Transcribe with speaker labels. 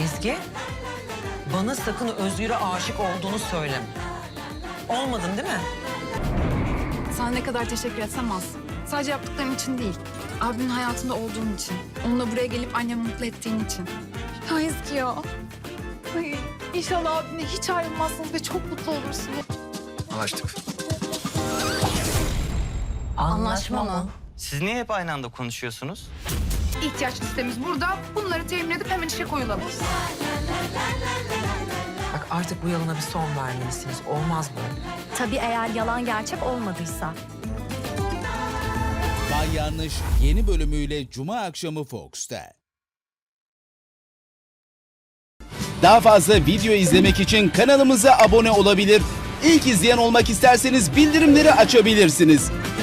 Speaker 1: Ezgi, bana sakın Özgür'e aşık olduğunu söyleme. Olmadın değil mi?
Speaker 2: Sana ne kadar teşekkür etsem az. Sadece yaptıklarım için değil. Abimin hayatında olduğun için. Onunla buraya gelip annemi mutlu ettiğin için. Ya Ezgi ya. Ay, İnşallah abimle hiç ayrılmazsınız ve çok mutlu olursunuz.
Speaker 3: Anlaştık.
Speaker 1: Anlaşma mı?
Speaker 4: Siz niye hep aynı anda konuşuyorsunuz?
Speaker 2: İhtiyaç listemiz burada. Bunları temin edip hemen işe koyulalım.
Speaker 1: Bak artık bu yalana bir son vermelisiniz. Olmaz böyle.
Speaker 5: Tabii eğer yalan gerçek olmadıysa.
Speaker 6: Bay Yanlış yeni bölümüyle Cuma akşamı Fox'ta. Daha fazla video izlemek için kanalımıza abone olabilir. İlk izleyen olmak isterseniz bildirimleri açabilirsiniz.